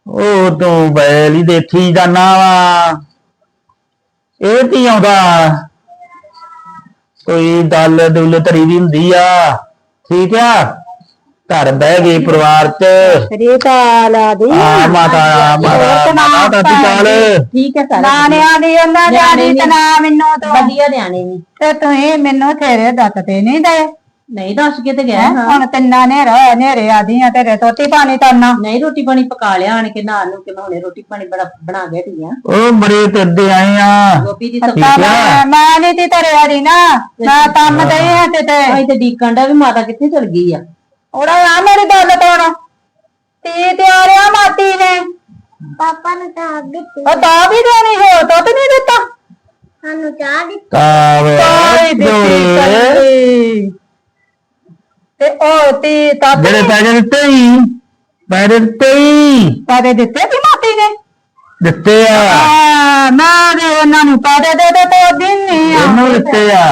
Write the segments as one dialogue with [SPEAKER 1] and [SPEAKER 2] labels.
[SPEAKER 1] ਉਹ ਤੂੰ ਬੈਲ ਹੀ ਦੇਖੀ ਜਾਨਾ ਵਾ। ਇਹ ਕੀ ਆਉਂਦਾ ਕੋਈ ਦਲ ਦੁਲ ਧਰੀ ਦੀ ਹੁੰਦੀ ਆ। ਠੀਕ ਆ ਘਰ ਬਹਿ ਗਏ ਪਰਿਵਾਰ ਚ। ਮਾਤਾ ਮਾਤਾ
[SPEAKER 2] ਠੀਕ ਹੈ ਨਾਨਿਆਂ ਦੀ ਉਹਨਾਂ ਨਿਆਣੀ ਤੇ ਨਾ ਮੈਨੂੰ ਤੋਂ ਵਧੀਆ ਨਿਆਣੇ ਨੀ ਤੇ ਤੁਸੀਂ ਮੈਨੂੰ ਥੇਰੇ ਦੱਸ ਤੇ ਨਹੀਂ ਦੇ ਨਹੀਂ ਦੱਸ ਕੇ ਤੇ ਗਿਆ ਹੁਣ ਤਿੰਨਾਂ ਨੇ ਨੇਰੇ ਆਦੀਆਂ ਤੇਰੇ ਰੋਟੀ ਪਾਣੀ ਕਰਨਾ ਨਹੀਂ ਰੋਟੀ ਪਾਣੀ ਪਕਾ ਲਿਆ ਆਣ ਕੇ ਨਾਲ ਨੂੰ ਕਿ ਮੈਂ ਹੁਣੇ ਰੋਟੀ ਪਾਣੀ ਬਣਾ ਕੇ ਢੀਆਂ
[SPEAKER 1] ਉਹ ਬੜੇ ਤੁਰਦੇ ਆਏ ਆ
[SPEAKER 2] ਗੋਪੀ ਦੀ ਸੱਤਾ ਮੈਂ ਨਹੀਂ ਤੀ ਤੇਰੇ ਆਦੀ ਨਾ ਮੈਂ ਕੰਮ ਤੇ ਆ ਤੇ ਡੀਕਣ ਦਾ ਵੀ ਮਾਤਾ ਕਿੱਥੇ ਚਲ ਗਈ ਆ ਉਹਦਾ ਆ ਮੇਰੀ ਗੱਲ ਤੋਣ ਤੀ ਤਿਆਰਿਆ ਮਾਤੀ ਨੇ
[SPEAKER 3] ਪਾਪਾ ਨੂੰ ਚਾਹ ਦਿੱਤੀ
[SPEAKER 2] ਉਹ ਤਾਂ ਵੀ ਦੇਣੀ ਹੋ ਦੁੱਧ ਨਹੀਂ ਦਿੱਤਾ
[SPEAKER 3] ਸਾਨੂੰ ਚਾਹ ਦਿੱਤੀ
[SPEAKER 2] ਤੇ ਉਹ ਤੀ ਤਾਂ
[SPEAKER 1] ਜਿਹੜੇ ਪੈਸੇ ਦਿੱਤੇ ਹੀ
[SPEAKER 2] ਪੈਸੇ ਦਿੱਤੇ ਕਿ ਮਾਤੀ ਨੇ
[SPEAKER 1] ਦਿੱਤੇ ਆ
[SPEAKER 2] ਮੈਂ ਦੇ ਉਹਨਾਂ ਨੂੰ ਪੈਸੇ ਦੇ ਦੇ ਤੇ ਦਿਨ ਨਹੀਂ
[SPEAKER 1] ਉਹਨੂੰ ਦਿੱਤੇ ਆ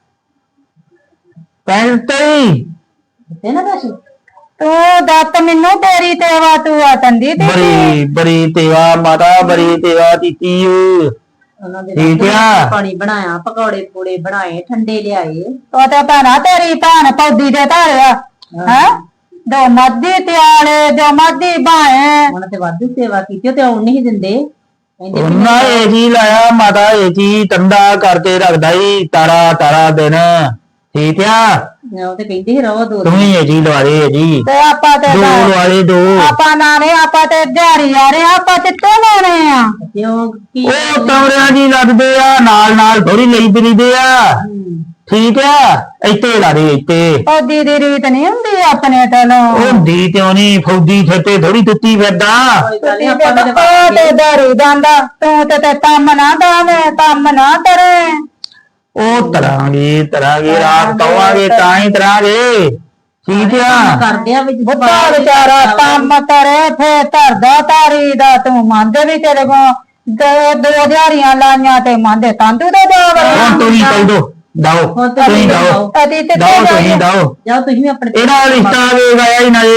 [SPEAKER 1] ਪੈਸੇ
[SPEAKER 2] ਦਿੱਤੇ ਨਾ ਪੈਸੇ ਤੂੰ ਦੱਤ ਮੈਨੂੰ ਤੇਰੀ ਤੇਵਾ ਤੂੰ ਆ ਤੰਦੀ ਤੇ
[SPEAKER 1] ਬੜੀ ਤੇਵਾ ਮਾਤਾ ਬੜੀ ਤੇਵਾ ਕੀਤੀ
[SPEAKER 2] ਉਹਨਾਂ ਦੇ ਪਾਣੀ ਬਣਾਇਆ ਪਕੌੜੇ ਪੂੜੇ ਬਣਾਏ ਠੰਡੇ ਲਿਆਏ ਉਹ ਤੇ ਭੈਣਾ ਤੇਰੀ ਭੈਣ ਪੌਦੀ ਦੇ ਧਾਰਿਆ ਹੈ ਦੋ ਮੱਦੀ ਤਿਆਲੇ ਦੋ ਮੱਦੀ ਬਾਏ ਉਹਨਾਂ ਤੇ ਵਾਧੂ ਸੇਵਾ ਕੀਤੀ ਤੇ ਉਹ ਨਹੀਂ ਦਿੰਦੇ
[SPEAKER 1] ਉਹਨਾਂ ਇਹ ਜੀ ਲਾਇਆ ਮਾਤਾ ਇਹ ਜੀ ਟੰਡਾ ਕਰਕੇ ਰੱਖਦਾ ਈ ਤਾਰਾ ਦਿਨ। ਠੀਕ ਆ
[SPEAKER 2] ਉਹ ਤੇ ਕਹਿੰਦੀ ਰਹੋ ਦੋ
[SPEAKER 1] ਤੂੰ ਹੀ ਜੀ ਲਵਾ ਦੇ ਜੀ
[SPEAKER 2] ਤੇ ਆਪਾਂ ਤੇ
[SPEAKER 1] ਦੋ ਵਾਲੇ ਦੋ
[SPEAKER 2] ਆਪਾਂ ਨਾਲੇ ਆਪਾਂ ਤੇ ਦਿਹਾੜੀ ਆ ਰਹੇ ਆਪਾਂ ਕਿੱਥੇ ਲਾਉਣੇ ਆ ਕਿਉਂ ਕੀ
[SPEAKER 1] ਉਹ ਕਮਰਿਆਂ ਜੀ ਲੱਗਦੇ ਆ ਨਾਲ ਥੋੜੀ ਲਈ ਫਿਰੀਦੇ ਆ। ਠੀਕ ਆ ਇੱਥੇ ਲਾ ਦੇ ਇੱਥੇ
[SPEAKER 2] ਫੌਜੀ ਦੀ ਰੀਤ ਨਹੀਂ ਹੁੰਦੀ ਆਪਣੇ ਤਲੋਂ
[SPEAKER 1] ਉਹ ਦੀ ਕਿਉਂ ਨਹੀਂ ਫੌਜੀ ਛੱਤੇ ਥੋੜੀ ਟੁੱਟੀ ਫਿਰਦਾ
[SPEAKER 2] ਤੇ ਦਾਰੂ ਜਾਂਦਾ ਤੂੰ ਤੇ ਕੰਮ ਨਾ ਦਾਵੇਂ ਕੰਮ ਨਾ ਕਰੇ
[SPEAKER 1] ਉਹ ਤਰਾਂਗੇ ਰਾਤ ਕਵਾਂਗੇ ਤਾਂ ਹੀ ਤਰਾਂਗੇ। ਠੀਕ ਆ
[SPEAKER 2] ਕਰਦੇ ਆ ਬੁੱਢਾ ਵਿਚਾਰਾ ਕੰਮ ਕਰੇ ਫੇਰ ਧਰਦਾ ਤਾਰੀ ਦਾ ਤੂੰ ਮੰਨਦੇ ਵੀ ਤੇਰੇ ਕੋ ਦੋ ਦਿਹਾੜੀਆਂ ਲਾਈਆਂ ਤੇ ਮੰਨਦੇ ਤੰਦੂ ਦਾ
[SPEAKER 1] ਹੁਣ ਤੁਸੀਂ ਕਹਿ ਦੋ ਜਾਓ ਤੁਸੀਂ ਜਾਓ
[SPEAKER 2] ਜਾਓ ਤੁਸੀਂ ਆਪਣੇ
[SPEAKER 1] ਇਹਦਾ ਰਿਸ਼ਤਾ ਵੇਖਾਇਆ ਹੀ ਨਾ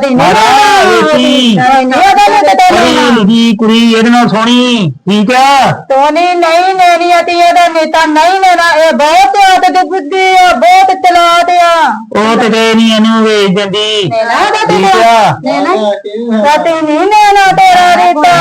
[SPEAKER 1] ਇਹ ਕੁੜੀ ਇਹਦੇ ਨਾਲ ਸੋਹਣੀ। ਠੀਕ ਆ
[SPEAKER 2] ਸੋਹਣੀ ਨਹੀਂ ਲੈਣੀ ਅਤੀ ਇਹਦਾ ਨੇਤਾ ਨਹੀਂ ਲੈਣਾ ਇਹ ਬਹੁਤ ਆਦਤ ਦੀ ਬੁੱਧੀ ਆ ਬਹੁਤ ਚਲਾਕ ਆ
[SPEAKER 1] ਉਹ ਤੇ ਗਏ ਨਹੀਂ ਇਹਨੂੰ ਵੇਚ ਦਿੰਦੀ। ਠੀਕ ਆ
[SPEAKER 2] ਸਤੀ ਨਹੀਂ ਲੈਣਾ ਤੇਰਾ ਰਿਸ਼ਤਾ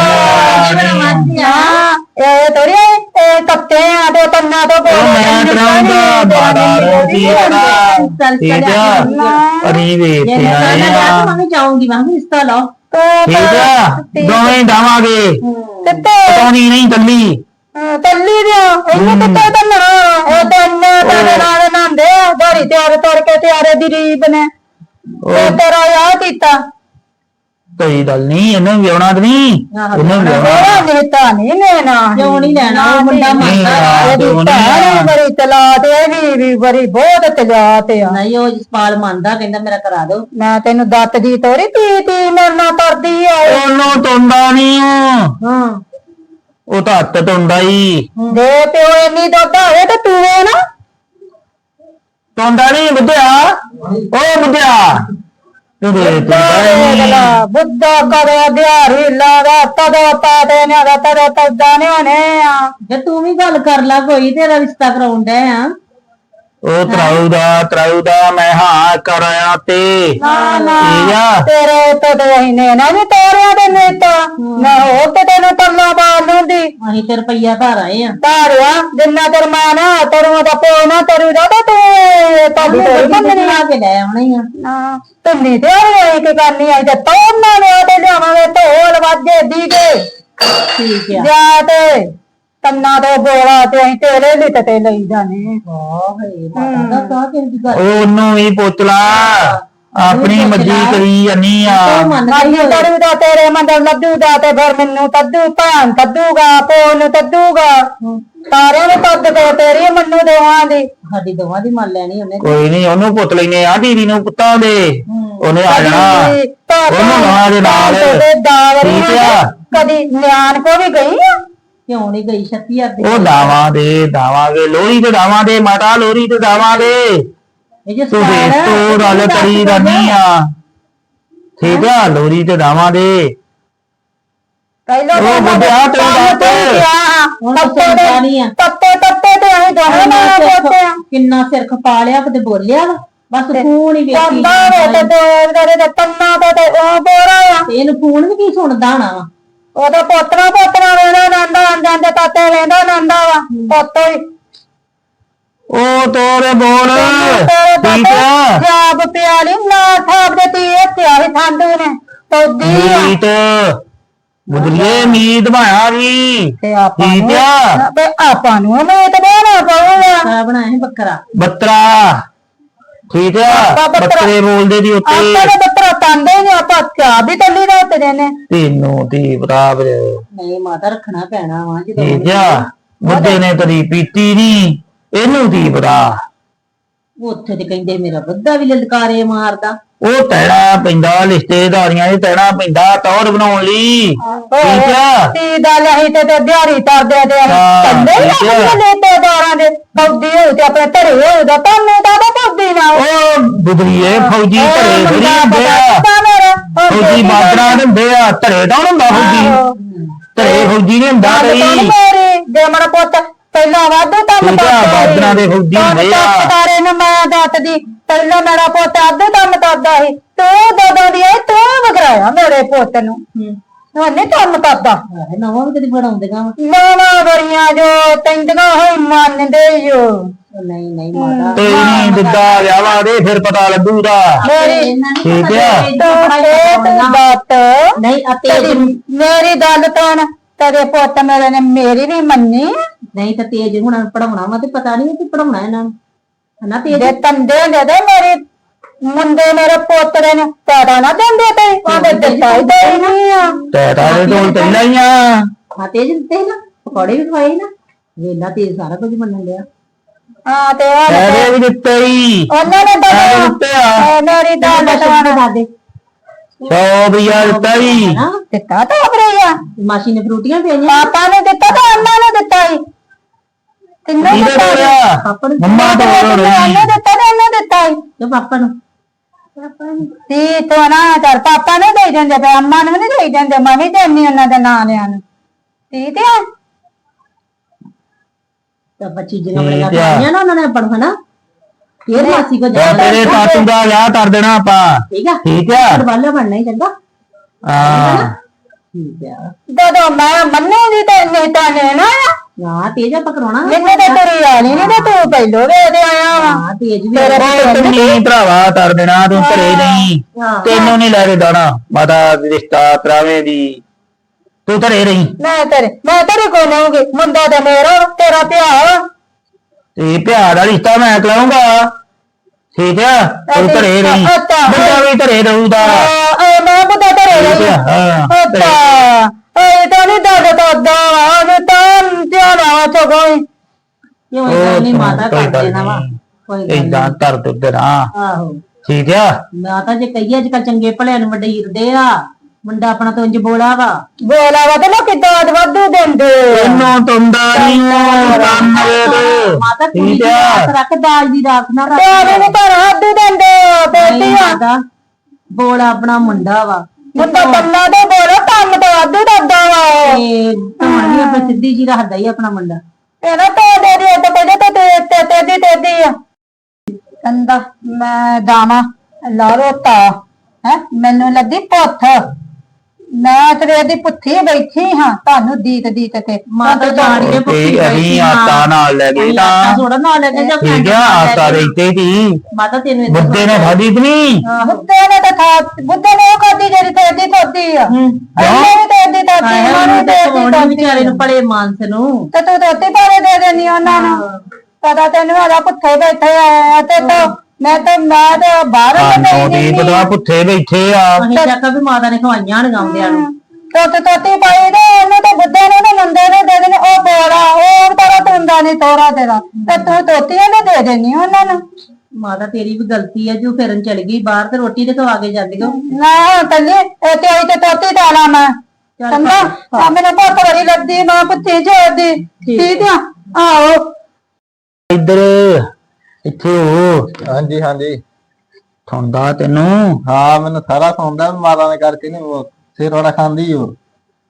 [SPEAKER 2] ਇਹ ਤੋਰੀ ਇਹ ਕੱਤੇ ਆ ਤੇ ਕੰਨਾਂ ਤੋਂ
[SPEAKER 1] ਮੈਂ ਕਰਾਉਂਦਾ ਬਾੜਾ ਰੋਟੀ ਠੀਕ ਆ ਅਰੀ ਵੇਚਦੇ ਆਏ ਆ
[SPEAKER 2] ਮੈਂ ਜਾਊਂਗੀ ਮੈਂ ਰਿਸ਼ਤਾ ਲਾਓ
[SPEAKER 1] ਠੀਕ ਆ ਦੋਵੇਂ ਜਾਵਾਂਗੇ ਪਟਾਉਣੀ ਨਹੀਂ ਕੱਲੀ
[SPEAKER 2] ਕੱਲੀ ਦਿਓ ਇਹਨੂੰ ਕਿੱਥੇ ਤੰਨਾ ਇਹ ਤੰਨੇ ਤੇਰੇ ਨਾਲ ਨਾਂਦੇ ਧਾਰੀ ਤਿਆਰ ਕਰਕੇ ਤਿਆਰੇ ਦੀ ਰੀਬ ਨੇ ਤੇਰਾ ਆ ਕੀਤਾ
[SPEAKER 1] ਕੋਈ ਗੱਲ ਨਹੀਂ ਇਹਨੂੰ ਵਿਆਹਣਾ ਤੇ ਨਹੀਂ ਇਹਨੂੰ ਵਿਆਹਣਾ
[SPEAKER 2] ਨੇਤਾ ਨਹੀਂ ਲੈਣਾ ਕਿਉਂ ਨਹੀਂ ਲੈਣਾ ਉਹ ਮੁੰਡਾ ਮੰਨਦਾ ਬੜੀ ਤਲਾਤ ਇਹ ਵੀ ਬੜੀ ਬਹੁਤ ਤਲਾਤ ਆ ਨਹੀਂ ਉਹ ਜਸਪਾਲ ਮੰਨਦਾ ਕਹਿੰਦਾ ਮੇਰਾ ਕਰਾ ਦਿਓ ਮੈਂ ਤੈਨੂੰ ਦੱਤ ਦੀ ਤੋਰੀ ਤੀ ਮੇਰੇ ਨਾਲ ਕਰਦੀ ਆ
[SPEAKER 1] ਉਹਨੂੰ ਤੁੰਦਾ ਨਹੀਂ ਉਹ ਤਾਂ ਹੱਥ ਤੁੰਦਾ ਹੀ
[SPEAKER 2] ਦੇ ਪਿਓ ਇੰਨੀ ਦੁੱਧ ਹੋਵੇ ਤੇ ਪੀਵੇ ਨਾ
[SPEAKER 1] ਤੁੰਦਾ ਨਹੀਂ ਬੁੱਧਿਆ ਉਹ ਬੁੱਧਿਆ
[SPEAKER 2] ਬੁੱਧਾ ਕਰੇ ਦਿਹਾੜੀ ਲਾਦਾ ਤਦੋਂ ਪਾਦੇ ਨੇ ਤਦੋਂ ਤੱਦਾ ਨੇ ਹੋਣੇ ਆ ਜੇ ਤੂੰ ਵੀ ਗੱਲ ਕਰ ਲੈ ਕੋਈ ਤੇਰਾ ਰਿਸ਼ਤਾ ਕਰਾਉਣ ਡੈ ਆ
[SPEAKER 1] ਉਹ ਤਰਾਉ ਦਾ ਮੈਂ ਹਾਂ ਕਰਾਇਆ ਤੇ
[SPEAKER 2] ਤੇਰੇ ਤੋਂ ਤੇ ਇਹਨੇ ਨਾ ਨੀ ਤੋਰਿਆ ਦੇ ਨੇਤਾ ਨਾ ਹੋਰ ਤੇ ਤੈਨੂੰ ਪੱਲਾ ਬਾਲ ਲੂੰਦੀ ਅਸੀਂ ਤੇ ਰੁਪਈਆ ਧਾਰ ਆਏ ਆ ਧਾਰਿਆ ਜਿੰਨਾ ਤੇਰ ਮਾਂ ਨਾ ਤੇਰੂ ਦਾ ਪਿਓ ਨਾ ਤੇਰੂ ਦਾ ਤੂੰ ਤੁਹਾਡੀ ਤੋਰੀ ਮੰਗਣੀ ਆ ਕੇ ਲੈ ਆਉਣੀ ਆ ਨਾ ਤੁਮਨੀ ਤੇ ਆਈ ਕਿ ਕਰਨੀ ਆਈ ਤੇ ਤੋੜਨਾ ਨੇ ਤੇ ਲਿਆਵਾਂਗੇ ਢੋਲ ਵਾਜੇ ਦੀਗੇ ਠੀਕ ਆ ਜਾ ਤੇ ਕੰਨਾਂ ਤੋਂ ਬੋਲਾ ਤੇ ਅਸੀਂ ਤੇਰੇ ਲਈ ਤੇ ਲਈ ਜਾਣੇ
[SPEAKER 1] ਉਹਨੂੰ ਵੀ ਪੁੱਛ ਲਾ ਆਪਣੀ ਮਰਜ਼ੀ ਕਰੀ ਜਾਨੀ ਆ
[SPEAKER 2] ਤਰੂ ਦਾ ਤੇਰੇ ਮੰਦਰ ਲੱਡੂ ਦਾ ਤੇ ਫਿਰ ਮੈਨੂੰ ਤੱਦੂ ਭਾਂ ਤੱਦੂਗਾ ਪੋਨ ਤੱਦੂਗਾ ਸਾਰਿਆਂ ਨੂੰ ਤੱਦ ਦੋ ਤੇਰੀ ਮੰਨੂ ਦੋਵਾਂ ਦੀ ਸਾਡੀ ਦੋਵਾਂ ਦੀ ਮੰਨ ਲੈਣੀ ਉਹਨੇ
[SPEAKER 1] ਕੋਈ ਨਹੀਂ ਉਹਨੂੰ ਪੁੱਛ ਲੈਨੇ ਆ ਦੀਦੀ ਨੂੰ ਪੁੱਤਾਂ ਦੇ ਉਹਨੇ ਆ ਜਾਣਾ ਉਹਨੂੰ ਨਾਲ ਦੇ ਨਾਲ ਠੀਕ ਆ
[SPEAKER 2] ਕਦੀ ਨਿਆਣ ਕੋ ਵੀ ਗਈ ਆ ਕਿਉਂ ਨਹੀਂ ਗਈ 36000
[SPEAKER 1] ਉਹ ਦਾਵਾਂਗੇ ਲੋਹਰੀ ਤੇ ਦਾਵਾਂਗੇ ਮਾਤਾ ਲੋਹਰੀ ਤੇ ਦਾਵਾਂਗੇ ਤੂੰ ਗੱਲ ਕਰੀ ਜਾਨੀ ਆ। ਠੀਕ ਆ ਲੋਹਰੀ ਤੇ ਦਾਵਾਂਗੇ
[SPEAKER 2] ਪਹਿਲਾਂ
[SPEAKER 1] ਉਹ ਬੁੱਢਿਆ ਤੂੰ
[SPEAKER 2] ਤੱਤੇ ਤੇ ਅਸੀਂ ਦੋਵੇਂ ਨਾਲ ਪੋਤੇ ਆ
[SPEAKER 4] ਕਿੰਨਾ ਸਿਰ ਖਪਾ ਲਿਆ ਕਿਤੇ ਬੋਲਿਆ ਵਾ ਬਸ ਫੋਨ ਹੀ ਵੇਖੀ
[SPEAKER 2] ਕੰਦਾ ਵੇ ਤੇ ਦੋਰੇ ਦੇ ਤੰਨਾ ਤੇ ਉਹ ਬੋਰਾ ਆ
[SPEAKER 4] ਤੇ ਇਹਨੂੰ ਫੋਨ ਵੀ ਕੀ ਸੁਣਦਾ ਹੋਣਾ ਵਾ
[SPEAKER 2] ਉਹਦਾ ਪੋਤਰਾ ਵੇਂਦਾ ਨੰਦਾ ਜਾਂਦੇ ਤਾਤੇ ਵੇਂਦਾ ਨੰਦਾ ਵਾ ਪੋਤੋ ਹੀ
[SPEAKER 1] ਉਹ ਤੋਰੇ ਬੋਲ ਠੀਕ ਆ
[SPEAKER 2] ਜਾਬ ਪਿਆਲੀ ਨਾ ਥਾਪ ਦੇ ਤੀ ਇੱਥੇ ਆਹੀ ਠੰਡੂ ਨੇ ਤੋਦੀ ਆ
[SPEAKER 1] ਮੀਤ ਬੁੱਧੀਏ ਮੀਤ ਭਾਇਆ ਜੀ
[SPEAKER 2] ਤੇ ਆਪਾਂ
[SPEAKER 1] ਠੀਕ ਆ
[SPEAKER 2] ਨੂੰ ਤੇ ਆਪਾਂ ਨੂੰ ਮੈਂ ਤੇ ਬਣਾ ਪਾਉਂਗਾ
[SPEAKER 4] ਸਾਰਾ ਬਣਾਇਆ ਸੀ ਬੱਕਰਾ
[SPEAKER 1] ਬੱਤਰਾ ਠੀਕ ਆ ਬੱਤਰੇ ਬੋਲਦੇ ਦੀ ਉੱਤੇ
[SPEAKER 2] ਆਪਾਂ ਦੇ ਬੱਤਰਾ ਤਾਂਦੇ ਨੇ ਆਪਾਂ ਚਾਹ ਵੀ ਤੱਲੀ ਰਾਤ ਦੇ ਨੇ
[SPEAKER 1] ਤੈਨੂੰ ਦੀ ਬਰਾਬ
[SPEAKER 4] ਨਹੀਂ ਮਾਤਾ ਰੱਖਣਾ ਪੈਣਾ ਵਾ ਜਦੋਂ
[SPEAKER 1] ਠੀਕ ਆ ਬੁੱਢੇ ਨੇ ਕਦੀ ਪੀਤੀ ਨਹੀਂ ਇਹਨੂੰ ਦੀ ਬਰਾ
[SPEAKER 4] ਉੱਥੇ ਤੇ ਕਹਿੰਦੇ ਮੇਰਾ ਬੱਦਾ ਵੀ ਲਲਕਾਰੇ ਮਾਰਦਾ
[SPEAKER 1] ਉਹ ਤੈਣਾ ਪੈਂਦਾ ਰਿਸ਼ਤੇਦਾਰੀਆਂ ਦੇ ਤੈਣਾ ਪੈਂਦਾ ਟੌਰ ਬਣਾਉਣ ਲਈ ਠੀਕ ਆ
[SPEAKER 2] ਤੀ ਦਾ ਲਹੀ ਤੇ ਦਿਹਾੜੀ ਤਰਦੇ ਤੇ ਕੰਦੇ ਨੇ ਤੇ ਦਾਰਾਂ ਦੇ ਫੌਜੀ ਹੋ ਤੇ ਆਪਣੇ ਘਰੇ ਹੋਊਗਾ ਤੁਹਾਨੂੰ ਤਾਂ ਫੌਜੀ ਨਾ
[SPEAKER 1] ਉਹ ਬੁੱਧੀਏ ਫੌਜੀ ਘਰੇ ਥੋੜੀ ਹੁੰਦੇ ਆ ਫੌਜੀ ਬਾਦਰਾ ਹੁੰਦੇ ਆ ਘਰੇ ਤਾਂ ਹੁੰਦਾ ਫੌਜੀ ਘਰੇ ਫੌਜੀ ਨਹੀਂ ਹੁੰਦਾ ਕਈ
[SPEAKER 2] ਜੇ ਮੇਰਾ ਪੁੱਤ ਪਹਿਲਾਂ ਵਾਧੂ ਕੰਮ
[SPEAKER 1] ਬਾਦਰਾ ਦੇ ਫੌਜੀ ਹੁੰਦੇ ਆ
[SPEAKER 2] ਤਾਰੇ ਨੂੰ ਮੈਂ ਦੱਸਦੀ ਪਹਿਲਾਂ ਮੇਰਾ ਪੁੱਤ ਅੱਧੇ ਕੰਮ ਕਰਦਾ ਸੀ ਤੂੰ ਦੋਦੋਂ ਦੀ ਤੂੰ ਵਗਰਾਇਆ ਮੇਰੇ ਪੁੱਤ ਨੂੰ ਉਹਨੇ ਕੰਮ ਕਰਦਾ
[SPEAKER 4] ਨਵਾਂ ਵੀ ਕਦੀ ਬਣਾਉਂਦੇਗਾ
[SPEAKER 2] ਨਵਾਂ ਬੜੀਆਂ ਜੋ ਤੈਂਦੀਆਂ ਹੋਈ ਮੰਨਦੇ ਜੋ
[SPEAKER 4] ਨਹੀਂ ਨਹੀਂ ਮਾਤਾ
[SPEAKER 1] ਤੇ ਨਹੀਂ ਦਿੱਤਾ ਵਿਆਵਾ ਦੇ ਫਿਰ ਪਤਾ ਲੱਗੂਗਾ
[SPEAKER 2] ਮੇਰੀ
[SPEAKER 1] ਠੀਕ ਆ
[SPEAKER 2] ਬਾਤ
[SPEAKER 4] ਨਹੀਂ ਅਤੇ
[SPEAKER 2] ਮੇਰੀ ਗੱਲ ਤੋਂ ਤੇਰੇ ਪੁੱਤ ਮੇਰੇ ਨੇ ਮੇਰੀ ਵੀ ਮੰਨੀ
[SPEAKER 4] ਨਹੀਂ ਤਾਂ ਤੇਜ ਹੁਣ ਪੜਾਉਣਾ ਵਾ ਤੇ ਪਤਾ ਨਹੀਂ ਕਿ ਪੜਾਉਣਾ ਇਹਨਾਂ ਨੂੰ ਹਨਾ ਤੇਜ
[SPEAKER 2] ਦੇ ਤੰਦੇ ਦੇ ਮੇਰੇ ਮੁੰਡੇ ਮੇਰੇ ਪੋਤਰੇ ਨੇ ਪੈਦਾ ਨਾ ਦਿੰਦੇ ਤੇ ਉਹਦੇ ਦਿੱਤਾ ਹੀ ਦੇ ਨਹੀਂ ਆ
[SPEAKER 1] ਤੇਰਾ ਦੇ ਤੋਂ ਪਹਿਲਾਂ ਹੀ ਆ
[SPEAKER 4] ਹਾਂ ਤੇਜ ਦਿੱਤੇ ਨਾ ਪਕੌੜੇ ਵੀ ਖਵਾਏ ਨਾ ਵੇਲਾ ਤੇਜ ਸਾਰਾ ਕੁਝ ਮੰਨਣ ਲਿਆ
[SPEAKER 2] ਹਾਂ ਤੇ
[SPEAKER 1] ਤੇਰੇ ਵੀ ਦਿੱਤੇ ਹੀ
[SPEAKER 2] ਉਹਨਾਂ ਨੇ
[SPEAKER 1] ਤੇਰੇ ਦਿੱਤੇ ਆ
[SPEAKER 2] ਮੇਰੀ ਦਾਲ ਤਵਾਣਾ
[SPEAKER 4] ਦਾਦੇ
[SPEAKER 1] 100 ਰੁਪਇਆ ਦਿੱਤਾ ਹੀ
[SPEAKER 2] ਦਿੱਤਾ ਤਾਂ ਆਪਰੇ ਆ
[SPEAKER 4] ਮਾਸੀ ਨੇ ਫਰੂਟੀਆਂ ਭੇਜੀਆਂ
[SPEAKER 2] ਪਾਪਾ ਨੇ ਦਿੱਤਾ ਤਾਂ ਅੰਮਾ ਨੇ ਦਿੱਤਾ ਹੀ ਤਿੰਨੇ
[SPEAKER 1] ਕਿਹਦੇ
[SPEAKER 2] ਦਿੱਤਾ
[SPEAKER 1] ਕੋਲ
[SPEAKER 4] ਪਾਪਾ ਨੂੰ
[SPEAKER 1] ਮੰਮਾ ਤੋਂ
[SPEAKER 2] ਉਹਨੇ ਦਿੱਤਾ ਤੇ ਉਹਨੇ ਦਿੱਤਾ ਹੀ
[SPEAKER 4] ਤੇ ਪਾਪਾ ਨੂੰ
[SPEAKER 2] ਤੀ ਤੋਂ ਨਾ ਕਰ ਪਾਪਾ ਨੇ ਦੇ ਦਿੰਦੇ ਤੇ ਅੰਮਾ ਨੂੰ ਨਹੀਂ ਦੇ ਦਿੰਦੇ ਮੈਂ ਵੀ ਦੇਣੀ ਉਹਨਾਂ ਦੇ ਨਾਂ ਲਿਆਂ ਨੂੰ ਤੀ ਤੇ
[SPEAKER 4] ਤਾਂ ਬੱਚੀ ਜਿਹਾ ਬੜੀਆਂ ਖਾਈਆਂ ਨਾ ਉਹਨਾਂ ਨੇ ਪੜ ਹਨਾ ਫੇਰ ਮਾਸੀ ਕੋ ਜਾ
[SPEAKER 1] ਤੇਰੇ ਤਾਤੂ ਦਾ ਵਿਆਹ ਕਰ ਦੇਣਾ ਆਪਾਂ
[SPEAKER 4] ਠੀਕ ਆ
[SPEAKER 1] ਠੀਕ ਆ
[SPEAKER 4] ਵਾਲਾ ਬਣਨਾ ਹੀ ਚੰਗਾ
[SPEAKER 1] ਹਾਂ
[SPEAKER 4] ਠੀਕ ਆ
[SPEAKER 2] ਜਦੋਂ ਮੈਂ ਮੰਨੂਗੀ ਤੇ ਨਹੀਂ ਤਾਂ ਨਾ
[SPEAKER 4] ਹਾਂ ਤੇਜ ਆਪਾਂ ਕਰਾਉਣਾ
[SPEAKER 2] ਮੈਨੂੰ ਤਾਂ ਤੇਰੀ ਆਲੀ ਨਹੀਂ ਤੇ ਤੂੰ ਪਹਿਲੋਂ ਵੇਦੇ ਆਇਆ ਵਾ
[SPEAKER 4] ਹਾਂ ਤੇਜ ਵੀ
[SPEAKER 1] ਤੂੰ ਨਹੀਂ ਭਰਾਵਾ ਕਰ ਦੇਣਾ ਤੂੰ ਘਰੇ ਨਹੀਂ ਤੈਨੂੰ ਨਹੀਂ ਲੈ ਕੇ ਦਾਣਾ ਮਾਤਾ ਰਿਸ਼ਤਾ ਕਰਾਵੇ ਦੀ ਤੂੰ ਘਰੇ ਰਹੀ
[SPEAKER 2] ਮੈਂ ਤੇਰੇ ਕੋਲ ਆਉਂਗੀ ਮੁੰਡਾ ਤੇ ਮੇਰਾ ਤੇਰਾ ਪਿਆ
[SPEAKER 1] ਤੇ ਪਿਆਰ ਦਾ ਰਿਸ਼ਤਾ ਮੈਂ ਕਰਾਉਂਗਾ ਠੀਕ ਆ ਤੂੰ ਘਰੇ ਰਹੀ ਮੁੰਡਾ ਵੀ ਘਰੇ ਰਹੂਗਾ
[SPEAKER 2] ਮੈਂ ਬੁੱਢਾ ਤੇਰੇ ਰਹੀ ਅੱਛਾ ਇਹ ਤਾਂ ਨਹੀਂ ਦੱਸਦਾ ਉਹ ਤਾਂ ਧਿਆਨ ਆ ਚੋਈ
[SPEAKER 4] ਕਿਉਂ ਇਹ ਨਹੀਂ ਮਾਤਾ ਕਰ ਦੇਣਾ ਵਾ ਕੋਈ ਗੱਲ
[SPEAKER 1] ਇਦਾਂ ਧਰ ਦੁੱਧ ਨਾ
[SPEAKER 4] ਆਹੋ
[SPEAKER 1] ਠੀਕ ਆ
[SPEAKER 4] ਮਾਤਾ ਜੇ ਕਹੀਏ ਅੱਜ ਕੱਲ ਚੰਗੇ ਭਲਿਆਂ ਨੂੰ ਵੱਡੇ ਹਿਰਦੇ ਆ ਮੁੰਡਾ ਆਪਣਾ ਤੋਂ ਇੰਜ ਬੋਲਾ ਵਾ
[SPEAKER 2] ਬੋਲਾ ਵਾ ਤੇ ਲੋਕੀ ਦਾਦ ਵਾਧੂ ਦਿੰਦੇ
[SPEAKER 1] ਇਹਨੂੰ ਤੁੰਦਾ ਨਹੀਂ ਕੰਮ ਵੇ
[SPEAKER 4] ਮਾਤਾ ਕੁੜੀ ਦੀ ਰਾਤ ਰੱਖ ਦਾਜ ਦੀ ਰਾਤ ਨਾ ਰੱਖ
[SPEAKER 2] ਤੇ ਨੂੰ ਘਰ ਵਾਧੂ ਦਿੰਦੇ ਬੇਟੀ ਆ
[SPEAKER 4] ਮਾਤਾ ਬੋਲਾ ਆਪਣਾ ਮੁੰਡਾ ਵਾ
[SPEAKER 2] ਮੁੰਡਾ ਕੰਨਾ ਤੇ ਬੋਲੋ ਕੰਮ ਤੇ ਵਾਧੂ ਦੱਸਦਾ ਵਾ
[SPEAKER 4] ਤੇ ਤੁਹਾਨੂੰ ਆਪਣੀ ਸਿੱਧੀ ਜੀ ਰੱਖਦਾ ਹੀ ਆਪਣਾ ਮੁੰਡਾ
[SPEAKER 2] ਇਹਦਾ ਤਾਂ ਦੇ ਦੇ ਤੇ ਕਹਿੰਦੇ ਤੇ ਤੇਦੀ ਆ ਕੰਦਾ ਮੈਂ ਦਾਵਾ ਲਾਰੋਤਾ ਹੈ ਮੈਨੂੰ ਲੱਗੀ ਪੁੱਥ ਮੈਂ ਤੇਰੇ ਦੀ ਪੁੱਠੀ ਬੈਠੀ ਹਾਂ ਤੁਹਾਨੂੰ ਦੀਤ ਤੇ
[SPEAKER 4] ਮਾਤਾ ਜਾਣ ਕੇ ਪੁੱਛੀ
[SPEAKER 1] ਅਸੀਂ ਆਟਾ ਨਾਲ ਲੈ ਗਏ ਤਾਂ
[SPEAKER 4] ਥੋੜਾ ਨਾਲ ਲੈ ਕੇ ਜਾ
[SPEAKER 1] ਠੀਕ ਆ ਆਟਾ ਦੇਤੇ ਦੀ
[SPEAKER 4] ਮਾਤਾ ਤੈਨੂੰ
[SPEAKER 1] ਬੁੱਧੇ ਨੇ ਖਾਦੀ ਕਿ ਨਹੀਂ
[SPEAKER 2] ਬੁੱਧੇ ਨੇ ਤਾਂ ਬੁੱਧੇ ਨੇ ਉਹ ਖਾਦੀ ਜਿਹੜੀ ਤੇਦੀ ਥੋਦੀ ਆ ਉਹਨੇ ਵੀ ਤੇਦੀ ਥੋਦੀ ਉਹਨੂੰ
[SPEAKER 4] ਤੇ ਵਿਚਾਰੇ ਨੂੰ ਭਲੇ ਮਾਨਸ ਨੂੰ
[SPEAKER 2] ਤੇ ਤੂੰ ਦੋਤੀ ਪਾਰੇ ਦੇ ਦੇਣੀ ਉਹਨਾਂ ਨੂੰ ਪਤਾ ਤੈਨੂੰ ਆਦਾ ਪੁੱਠੇ ਬੈਠੇ ਆ ਤੇ ਮੈਂ ਤਾਂ ਬਾਹਰ
[SPEAKER 1] ਨਹੀਂ ਪਤਾ ਪੁੱਠੇ ਬੈਠੇ ਆ
[SPEAKER 4] ਅਸੀਂ ਚੱਕਾ ਵੀ ਮਾਤਾ ਨੇ ਖਵਾਈਆਂ ਲਗਾਉਂਦਿਆਂ ਨੂੰ
[SPEAKER 2] ਤੋਤੀ ਪਾਈ ਦੇ ਉਹਨੇ ਤਾਂ ਬੁੱਧੇ ਨੇ ਮੰਦੇ ਨੇ ਦੇ ਦੇਣੇ ਉਹ ਬੋਲਾ ਉਹ ਤਾਰਾ ਤੁੰਦਾ ਨਹੀਂ ਤੋਰਾ ਤੇਰਾ ਤੇ ਤੂੰ ਤੋਤੀਆਂ ਨੇ ਦੇ ਦੇਣੀ ਉਹਨਾਂ ਨੂੰ
[SPEAKER 4] ਮਾਤਾ ਤੇਰੀ ਵੀ ਗਲਤੀ ਹੈ ਜੋ ਫਿਰਨ ਚਲ ਗਈ ਬਾਹਰ ਤੇ ਰੋਟੀ ਤੇ ਖਵਾ ਕੇ ਜਾਂਦੀ ਹੋ
[SPEAKER 2] ਨਾ ਤੱਲੇ ਤੇ ਆਈ ਤੇ ਤੋਤੀ ਤਾਲਾ ਮੈਂ ਚੰਗਾ ਮੈਨੂੰ ਬਹੁਤ ਬੜੀ ਲੱਗਦੀ ਨਾ ਪੁੱਤੀ ਜੋਦੀ ਠੀਕ ਆ ਆਓ
[SPEAKER 1] ਇੱਧਰ ਇੱਥੇ ਹੋ
[SPEAKER 5] ਹਾਂਜੀ ਹਾਂਜੀ
[SPEAKER 1] ਠੰਡਾ ਤੈਨੂੰ
[SPEAKER 5] ਹਾਂ ਮੈਨੂੰ ਸਾਰਾ ਸੌਂਦਾ ਮਾਤਾ ਨੇ ਕਰਕੇ ਨਹੀਂ ਸਿਰ ਵਾਲਾ ਖਾਂਦੀ ਉਹ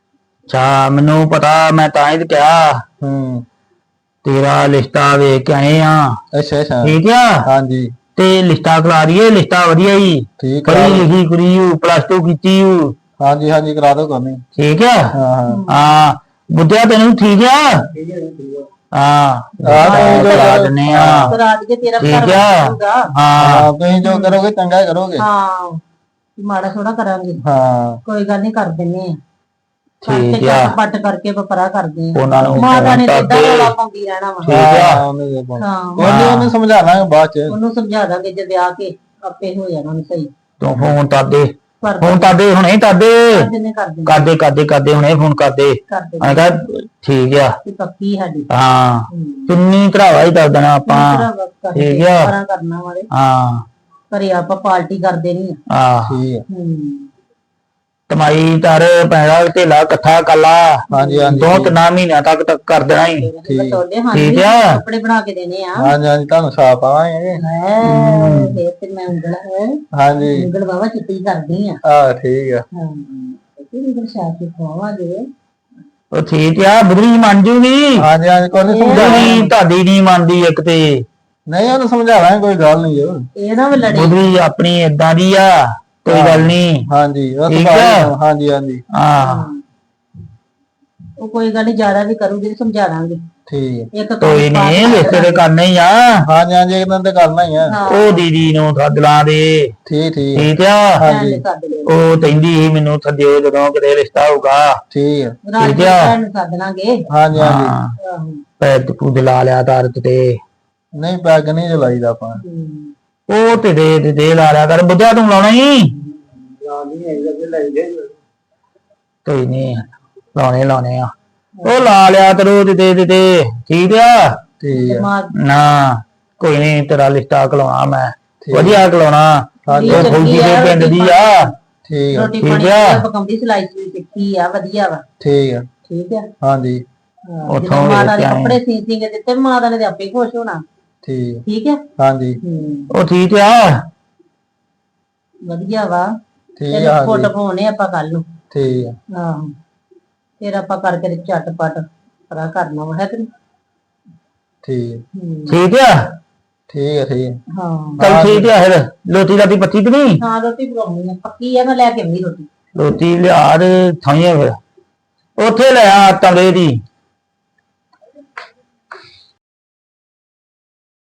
[SPEAKER 1] ਅੱਛਾ ਮੈਨੂੰ ਪਤਾ, ਮੈਂ ਤਾਂ ਹੀ ਤੇ ਕਿਹਾ ਤੇਰਾ ਲਿਸਟਾ ਵੇਖ ਕੇ ਆਏ ਆ।
[SPEAKER 5] ਅੱਛਾ ਅੱਛਾ
[SPEAKER 1] ਠੀਕ ਆ,
[SPEAKER 5] ਹਾਂਜੀ
[SPEAKER 1] ਤੇ ਲਿਸਟਾ ਕਰਾ ਦਈਏ, ਲਿਸਟਾ ਵਧੀਆ ਹੀ
[SPEAKER 5] ਠੀਕ ਆ
[SPEAKER 1] ਪੜ੍ਹੀ ਲਿਖੀ ਕੁੜੀ ਹੂ, +2 ਕੀਤੀ ਹੂ।
[SPEAKER 5] ਹਾਂਜੀ ਹਾਂਜੀ ਕਰਾ ਦੋ ਕਰਨੀ
[SPEAKER 1] ਠੀਕ ਆ,
[SPEAKER 5] ਹਾਂ ਹਾਂ
[SPEAKER 1] ਹਾਂ ਬੁੱਧਿਆ ਤੈਨੂੰ ਠੀਕ ਆ, ਹਾਂ ਕਰਾ ਦਿੰਨੇ ਆ।
[SPEAKER 4] ਕਰਾ ਦਈਏ, ਤੇਰਾ
[SPEAKER 1] ਠੀਕ
[SPEAKER 4] ਘਰ
[SPEAKER 1] ਆ,
[SPEAKER 4] ਬਣੂਗਾ।
[SPEAKER 1] ਹਾਂ
[SPEAKER 5] ਤੁਸੀਂ ਜੋ ਕਰੋਗੇ ਚੰਗਾ ਹੀ ਕਰੋਗੇ
[SPEAKER 4] ਹਾਂ ਮਾੜਾ ਥੋੜਾ ਕਰਾਂਗੇ,
[SPEAKER 5] ਹਾਂ
[SPEAKER 4] ਕੋਈ ਗੱਲ ਨਹੀਂ ਕਰ ਦਿੰਨੇ ਆ।
[SPEAKER 1] ਠੀਕ
[SPEAKER 4] ਕਰਕੇ
[SPEAKER 1] ਆ,
[SPEAKER 4] ਪੱਟ ਕਰਕੇ ਵਪਰਾ ਕਰਦੇ ਆ।
[SPEAKER 1] ਉਹਨਾਂ ਨੂੰ
[SPEAKER 4] ਮਾਤਾ ਨੇ
[SPEAKER 1] ਫੋਨ
[SPEAKER 4] ਸਿੱਧਾ
[SPEAKER 1] ਕਰਦੇ।
[SPEAKER 4] ਰੌਲਾ ਪਾਉਂਦੀ ਰਹਿਣਾ ਵਾ।
[SPEAKER 1] ਠੀਕ ਆ,
[SPEAKER 5] ਉਹਨੇ ਦੇ ਪਾਉਣਾ।
[SPEAKER 4] ਹਾਂ
[SPEAKER 5] ਉਹਨੂੰ ਸਮਝਾ ਲਾਂਗੇ ਬਾਅਦ ਚ
[SPEAKER 4] ਉਹਨੂੰ ਸਮਝਾ ਦਾਂਗੇ, ਜੇ ਵਿਆਹ ਕੇ ਆਪੇ ਹੋ ਜਾਣਾ ਉਹਨੂੰ ਸਹੀ।
[SPEAKER 1] ਤੂੰ ਫੋਨ ਕਰਦੇ,
[SPEAKER 4] ਕਰ
[SPEAKER 1] ਫੋਨ ਕਰਦੇ ਹੁਣੇ ਕਰਦੇ,
[SPEAKER 4] ਦਿੰਨੇ ਕਰ ਦਿੰਨੇ
[SPEAKER 1] ਕਰਦੇ ਕਰਦੇ ਕਰਦੇ ਹੁਣੇ ਫੋਨ ਕਰਦੇ।
[SPEAKER 4] ਕਰ ਦਿੰਨੇ
[SPEAKER 1] ਮੈਂ ਕਿਹਾ ਠੀਕ ਆ,
[SPEAKER 4] ਤੇ ਪੱਕੀ ਸਾਡੀ।
[SPEAKER 1] ਹਾਂ ਕਿੰਨੀ ਭਰਾਵਾ ਹੀ ਕਰ ਦੇਣਾ ਆਪਾਂ। ਠੀਕ ਆ,
[SPEAKER 4] ਕਰਾਂ ਕਰਨਾ ਵਾਲੇ
[SPEAKER 1] ਹਾਂ
[SPEAKER 4] ਘਰੇ ਆਪਾਂ ਪਾਰਟੀ ਕਰਦੇ ਨਹੀਂ ਆ।
[SPEAKER 1] ਹਾਂ
[SPEAKER 5] ਠੀਕ ਆ
[SPEAKER 1] ਕਮਾਈ ਕਰ ਪੈਣਾ ਢੇਲਾ ਇਕੱਠਾ ਕੱਲਾ
[SPEAKER 5] ਹਾਂਜੀ ਹਾਂਜੀ
[SPEAKER 1] 2-3 ਮਹੀਨਿਆਂ ਤੱਕ ਕਰ ਦੇਣਾ ਹੀ।
[SPEAKER 4] ਬਟੋਲੇ
[SPEAKER 1] ਠੀਕ ਆ,
[SPEAKER 4] ਕੱਪੜੇ ਬਣਾ ਕੇ ਦੇਣੇ ਆ।
[SPEAKER 5] ਹਾਂਜੀ ਹਾਂਜੀ ਤੁਹਾਨੂੰ ਸਾਫ ਆਵਾਂਗੇ
[SPEAKER 4] ਫੇਰ ਤੇ ਮੈਂ ਉਂਗਲ
[SPEAKER 5] ਹਾਂਜੀ
[SPEAKER 4] ਉਂਗਲ ਬਾਬਾ ਚਿੱਟੀ ਕਰਦੀ ਆ।
[SPEAKER 5] ਆ ਠੀਕ ਆ
[SPEAKER 4] ਹਾਂ ਤੇ ਉਂਗਲ ਸ਼ਾਹ ਕੇ ਖਵਾਵਾਂਗੇ।
[SPEAKER 1] ਉਹ ਠੀਕ ਆ, ਬੁਧਰੀ ਮੰਨ ਜੂਗੀ।
[SPEAKER 5] ਹਾਂਜੀ ਹਾਂਜੀ ਕੋਈ ਨਹੀਂ ਸਮਝਾ
[SPEAKER 1] ਬੁਧਰੀ ਤੁਹਾਡੀ ਨਹੀਂ ਮੰਨਦੀ ਇੱਕ ਤੇ,
[SPEAKER 5] ਨਹੀਂ ਉਹਨੂੰ ਸਮਝਾ ਲਾਂਗੇ ਕੋਈ ਗੱਲ ਨਹੀਂ ਜੋ
[SPEAKER 4] ਇਹ ਨਾ ਵੀ ਲੜੇ।
[SPEAKER 1] ਬੁਧਰੀ ਆਪਣੀ ਏਦਾਂ ਦੀ ਆ, ਕੋਈ ਗੱਲ ਨਹੀਂ।
[SPEAKER 5] ਹਾਂਜੀ ਉਹ
[SPEAKER 1] ਠੀਕ
[SPEAKER 5] ਸੁਭਾਅ
[SPEAKER 1] ਆ।
[SPEAKER 5] ਹਾਂਜੀ ਹਾਂਜੀ
[SPEAKER 1] ਹਾਂ
[SPEAKER 4] ਉਹ ਕੋਈ ਗੱਲ ਨਹੀਂ, ਜ਼ਿਆਦਾ ਵੀ ਕਰੂਗੀ ਤੇ ਸਮਝਾ ਦਾਂਗੇ।
[SPEAKER 5] ਠੀਕ ਆ
[SPEAKER 4] ਇੱਕ
[SPEAKER 1] ਕੋਈ ਨਹੀਂ, ਲਿਸਟ ਤੇ ਕਰਨੇ ਹੀ ਆ।
[SPEAKER 5] ਹਾਂਜੀ ਹਾਂਜੀ ਇੱਕ ਦਿਨ ਤੇ ਕਰਨਾ ਹੀ ਆ
[SPEAKER 1] ਉਹ ਦੀਦੀ ਨੂੰ ਸੱਦ ਲਾਂ ਦੇ।
[SPEAKER 5] ਠੀਕ ਠੀਕ
[SPEAKER 1] ਠੀਕ ਆ,
[SPEAKER 5] ਹਾਂਜੀ
[SPEAKER 4] ਸੱਦ ਲਿਓ।
[SPEAKER 1] ਉਹ ਕਹਿੰਦੀ ਸੀ ਮੈਨੂੰ ਸੱਦਿਓ ਜਦੋਂ ਕਿਤੇ ਰਿਸ਼ਤਾ ਹੋਊਗਾ।
[SPEAKER 5] ਠੀਕ ਆ
[SPEAKER 4] ਰਾਤ
[SPEAKER 1] ਠੀਕ
[SPEAKER 4] ਨੂੰ
[SPEAKER 1] ਆ।
[SPEAKER 4] ਭੈਣ ਨੂੰ ਸੱਦ ਲਾਂਗੇ।
[SPEAKER 5] ਹਾਂਜੀ ਹਾਂਜੀ
[SPEAKER 1] ਹਾਂ
[SPEAKER 4] ਆਹੋ।
[SPEAKER 1] ਪੈਰ ਪੂਜ ਲਾ ਲਿਆ ਤਾਰਤ ਤੇ,
[SPEAKER 5] ਨਹੀਂ ਪੈਗ ਨਹੀਂ ਜਲਾਈਦਾ ਆਪਾਂ
[SPEAKER 1] ਉਹ ਤੇ ਦੇ ਲਾ ਲਿਆ ਕਰ। ਬੁੱਧਿਆ ਤੂੰ ਲਾਉਣਾ ਹੀ ਕੋਈ ਨਹੀਂ, ਲਾਉਣੇ ਆ। ਉਹ ਲਾ ਲਿਆ ਕਰੋ ਦੇ ਠੀਕ ਆ
[SPEAKER 5] ਠੀਕ ਆ
[SPEAKER 4] ਦਿਮਾਗ
[SPEAKER 1] ਨਾ, ਕੋਈ ਨਹੀਂ ਤੇਰਾ ਲਿਸਟਾ ਕਲਾਉਣਾ ਮੈਂ, ਵਧੀਆ ਕਲਾਉਣਾ।
[SPEAKER 5] ਹਾਂਜੀ
[SPEAKER 1] ਉਹ ਫੌਜੀ ਦੇ ਪਿੰਡ ਦੀ ਆ।
[SPEAKER 5] ਠੀਕ ਆ
[SPEAKER 4] ਰੋਟੀ
[SPEAKER 1] ਠੀਕ
[SPEAKER 4] ਪਾਣੀ
[SPEAKER 1] ਆ।
[SPEAKER 4] ਪਕਾਉਂਦੀ, ਸਿਲਾਈ ਸਲੂਈ ਸਿੱਖੀ ਆ, ਵਧੀਆ ਵਾ।
[SPEAKER 5] ਠੀਕ ਆ
[SPEAKER 4] ਠੀਕ ਆ।
[SPEAKER 5] ਹਾਂਜੀ
[SPEAKER 4] ਹਾਂ,
[SPEAKER 1] ਉੱਥੋਂ
[SPEAKER 4] ਜਦੋਂ ਮਾਤਾ
[SPEAKER 1] ਵੇਖ
[SPEAKER 4] ਦੇ
[SPEAKER 1] ਕੇ ਆਏ।
[SPEAKER 4] ਕੱਪੜੇ ਸੀ ਕੇ ਦਿੱਤੇ, ਮਾਤਾ ਨੇ ਤੇ ਆਪੇ ਖੁਸ਼ ਹੋਣਾ।
[SPEAKER 5] ਠੀਕ ਆ
[SPEAKER 4] ਠੀਕ ਹੈ।
[SPEAKER 5] ਹਾਂਜੀ
[SPEAKER 1] ਉਹ ਠੀਕ ਆ,
[SPEAKER 4] ਵਧੀਆ ਵਾ।
[SPEAKER 5] ਠੀਕ
[SPEAKER 4] ਤੇਰੇ
[SPEAKER 5] ਆ
[SPEAKER 4] ਫੋਟੋ
[SPEAKER 5] ਹਾਂਜੀ
[SPEAKER 4] ਪਾਉਣੇ ਆਪਾਂ ਕੱਲ ਨੂੰ।
[SPEAKER 5] ਠੀਕ ਆ
[SPEAKER 4] ਆਹੋ ਫਿਰ ਆਪਾਂ ਕਰਕੇ ਤੇ ਝਟਪਟ ਪਰਾ ਕਰਨਾ ਵਾ, ਹੈ ਕਿ ਨਹੀਂ?
[SPEAKER 5] ਠੀਕ
[SPEAKER 1] ਠੀਕ ਆ,
[SPEAKER 5] ਠੀਕ ਆ ਠੀਕ ਆ
[SPEAKER 4] ਹਾਂ
[SPEAKER 1] ਚੱਲ ਠੀਕ ਆ। ਫਿਰ ਲੋਟੀ ਰਾਤੀ ਪੱਤੀ ਤੇ ਨਹੀਂ,
[SPEAKER 4] ਹਾਂ ਰੋਟੀ ਪਕਾਉਣੀ ਆ, ਪੱਕੀ ਆ, ਮੈਂ ਲੈ ਕੇ ਆਉਂਦੀ ਰੋਟੀ।
[SPEAKER 1] ਰੋਟੀ ਲਿਆ ਦੇ ਥਾਈਆਂ ਫਿਰ ਉੱਥੇ ਲੈ ਆ ਤਵੇ ਦੀ।